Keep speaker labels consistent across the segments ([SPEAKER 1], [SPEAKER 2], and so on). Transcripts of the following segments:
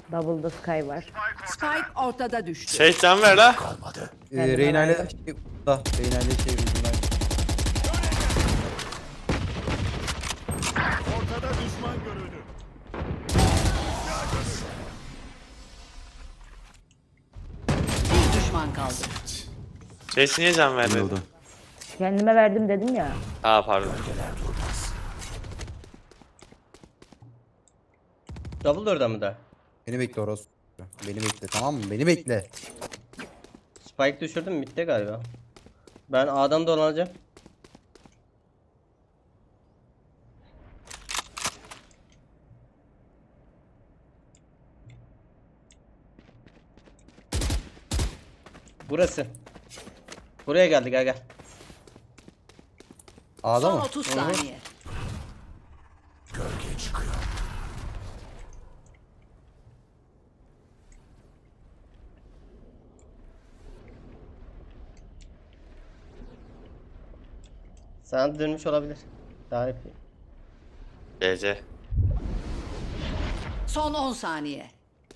[SPEAKER 1] Double'da Sky var.
[SPEAKER 2] Spike ortada düştü.
[SPEAKER 3] Şey can ver la.
[SPEAKER 4] Reyna ile da Reyna ile şey yüzünden.
[SPEAKER 5] Ortada düşman görüldü.
[SPEAKER 2] Bir düşman kaldı.
[SPEAKER 3] Şey niye can vermedi?
[SPEAKER 4] Oldu.
[SPEAKER 1] Kendime verdim dedim ya.
[SPEAKER 3] Aa pardon.
[SPEAKER 6] Double orada mı da?
[SPEAKER 4] Beni bekle orası. Beni bekle, tamam mı? Beni bekle.
[SPEAKER 6] Spike düşürdüm bitti galiba. Ben A'dan dolanacağım. Burası. Buraya geldi, gel gel.
[SPEAKER 4] A'da
[SPEAKER 2] Son
[SPEAKER 4] mı?
[SPEAKER 2] 30 saniye.
[SPEAKER 6] Sana dönmüş olabilir. Daha iyi.
[SPEAKER 3] GC.
[SPEAKER 2] Son 10 saniye.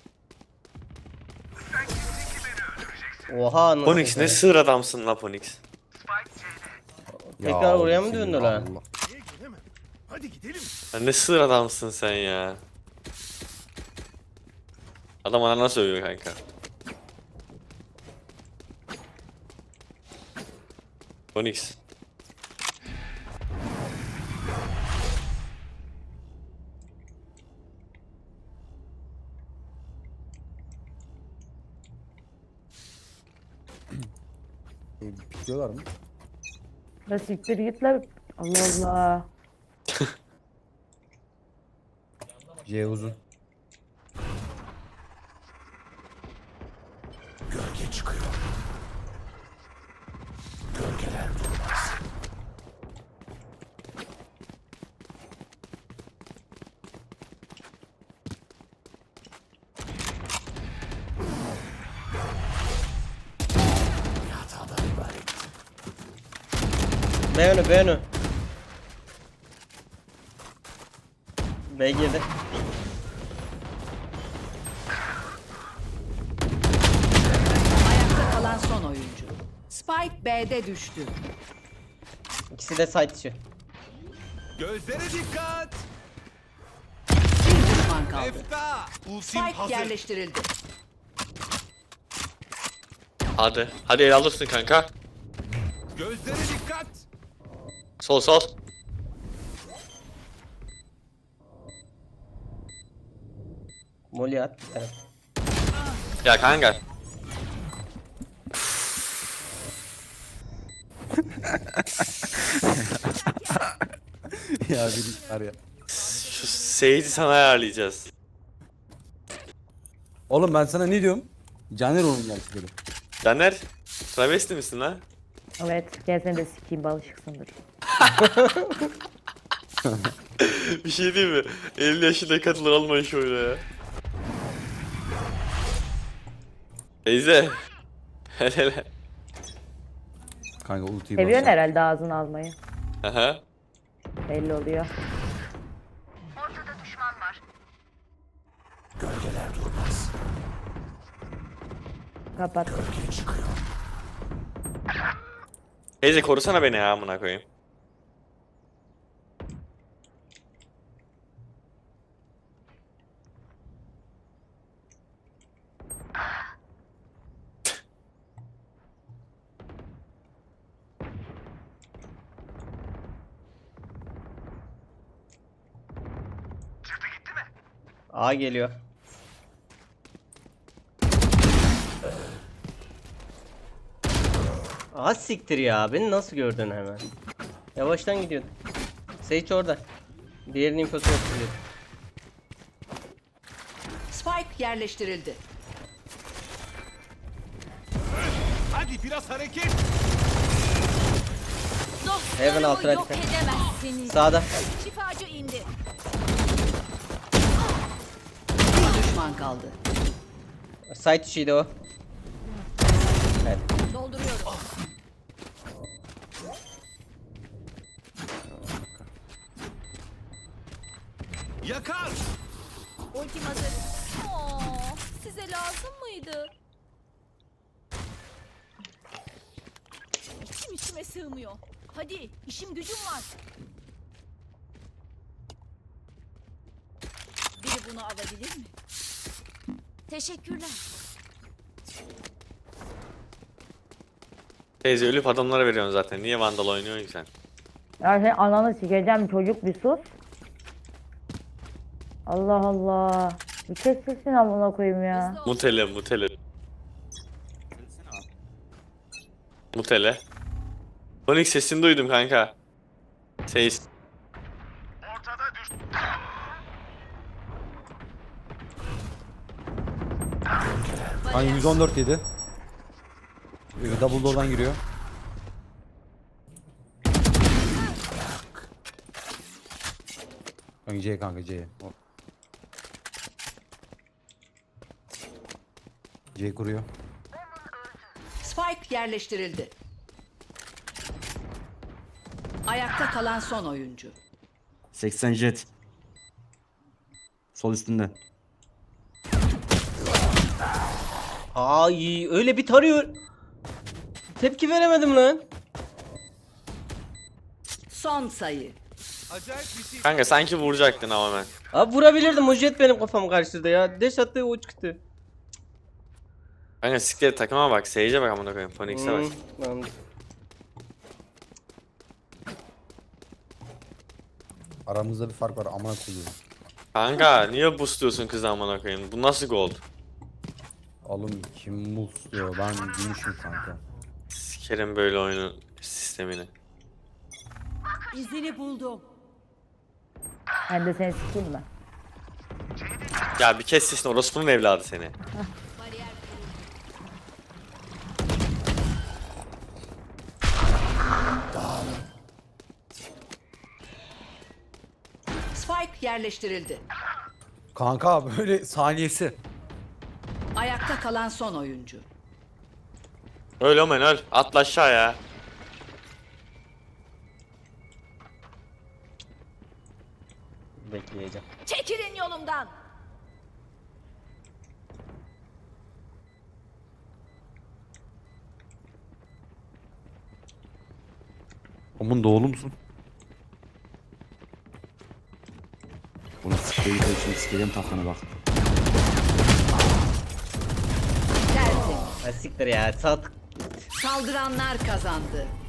[SPEAKER 6] Oha nasıl?
[SPEAKER 3] Ponix ne sığır adamsın la Ponix.
[SPEAKER 6] Tekrar oraya mı
[SPEAKER 4] senin
[SPEAKER 6] döndü lan?
[SPEAKER 4] Allah.
[SPEAKER 5] Niye giremem? Hadi gidelim.
[SPEAKER 3] Sen ne sığır adamsın sen ya. Adam anana sövüyor kanka. Ponix.
[SPEAKER 4] Pikliyorlar mı?
[SPEAKER 1] Da siktir git lan. Allah Allah.
[SPEAKER 4] C uzun.
[SPEAKER 6] B önü, B önü. B girdi.
[SPEAKER 2] Ayakta kalan son oyuncu. Spike B'de düştü.
[SPEAKER 6] İkisi de side dışı.
[SPEAKER 5] Gözlere dikkat.
[SPEAKER 2] Bir düşman kaldı.
[SPEAKER 5] Efta. Ultim
[SPEAKER 2] Spike
[SPEAKER 5] hazır.
[SPEAKER 2] yerleştirildi.
[SPEAKER 3] Hadi. Hadi el alırsın kanka.
[SPEAKER 5] Gözlere dikkat.
[SPEAKER 3] Sol sol.
[SPEAKER 6] Molly at bir tane.
[SPEAKER 3] Ya kanka.
[SPEAKER 4] Ya bir var ya.
[SPEAKER 3] Şu Sage'i sana ayarlayacağız.
[SPEAKER 4] Oğlum ben sana ne diyorum? Caner oğlum gelsin dedim.
[SPEAKER 3] Caner. Travesti misin lan?
[SPEAKER 1] Evet. Gel seni de sikeyim balışıksındır.
[SPEAKER 3] Bir şey değil mi? 50 yaşında katılır olmayın şu oyuna ya. Teyze. Hele hele.
[SPEAKER 4] Kanka ultiyi
[SPEAKER 1] Seviyorsun
[SPEAKER 4] basacağım.
[SPEAKER 1] herhalde ağzını almayı.
[SPEAKER 3] Aha.
[SPEAKER 1] Belli oluyor. Kapat.
[SPEAKER 3] Teyze korusana beni ya amına koyayım.
[SPEAKER 6] A geliyor. Az siktir ya. Beni nasıl gördün hemen? Yavaştan gidiyordum. Sage orada. Diğerinin infosu yok diyor.
[SPEAKER 2] Spike yerleştirildi.
[SPEAKER 5] Hadi biraz hareket.
[SPEAKER 6] Heaven altına
[SPEAKER 7] Yok
[SPEAKER 6] dikkat.
[SPEAKER 7] edemezsiniz.
[SPEAKER 6] Sağda.
[SPEAKER 7] Şifacı indi.
[SPEAKER 2] Bir düşman kaldı.
[SPEAKER 6] Side içiydi o. Evet.
[SPEAKER 7] Dolduruyorum.
[SPEAKER 5] Yakar.
[SPEAKER 7] Ultim hazır. Oo. size lazım mıydı? İçim içime sığmıyor. Hadi işim gücüm var. Biri bunu alabilir mi? Teşekkürler.
[SPEAKER 3] Teyze ölüp adamlara veriyorsun zaten. Niye Vandal oynuyorsun ki sen?
[SPEAKER 1] Ya sen ananı sikeceğim çocuk bir sus. Allah Allah. Bir kes sesini amına koyayım ya.
[SPEAKER 7] Hızlı ol.
[SPEAKER 3] Mutele, mutele. Mutele. Sonic sesini duydum kanka. Ses.
[SPEAKER 4] Hani 114 yedi. Double door'dan giriyor. Kanka C kanka C. C kuruyor.
[SPEAKER 2] Spike yerleştirildi. Ayakta kalan son oyuncu.
[SPEAKER 8] 80 jet. Sol üstünde.
[SPEAKER 6] Ay öyle bir tarıyor. Tepki veremedim lan.
[SPEAKER 2] Son sayı.
[SPEAKER 5] Acayip bir şey.
[SPEAKER 3] Kanka sanki vuracaktın ama ben.
[SPEAKER 6] Abi vurabilirdim. O jet benim kafamı karşıladı ya. Deş attı o çıktı.
[SPEAKER 3] Kanka siktir takıma bak. Sage'e bak amına koyayım. Phoenix'e bak.
[SPEAKER 6] Tamam.
[SPEAKER 4] Aramızda bir fark var amına koyuyorum.
[SPEAKER 3] Kanka niye boostluyorsun kızı amına koyayım? Bu nasıl gold?
[SPEAKER 4] Oğlum kim mus diyor ben gümüşüm kanka.
[SPEAKER 3] Sikerim böyle oyunun sistemini.
[SPEAKER 2] İzini buldum.
[SPEAKER 1] Ben de seni sikeyim ben.
[SPEAKER 3] Ya bir kes sesini, orospunun evladı seni.
[SPEAKER 2] Spike yerleştirildi.
[SPEAKER 4] Kanka böyle saniyesi.
[SPEAKER 2] Ayakta kalan son oyuncu.
[SPEAKER 3] Öl omen öl. Atla aşağıya.
[SPEAKER 6] Bekleyeceğim.
[SPEAKER 7] Çekilin yolumdan.
[SPEAKER 4] Omun doğulu musun?
[SPEAKER 8] Bunu sikeyim şimdi sikeyim tahtana bak.
[SPEAKER 2] Tertemiz.
[SPEAKER 6] Ha siktir ya. Sat.
[SPEAKER 2] Saldıranlar kazandı.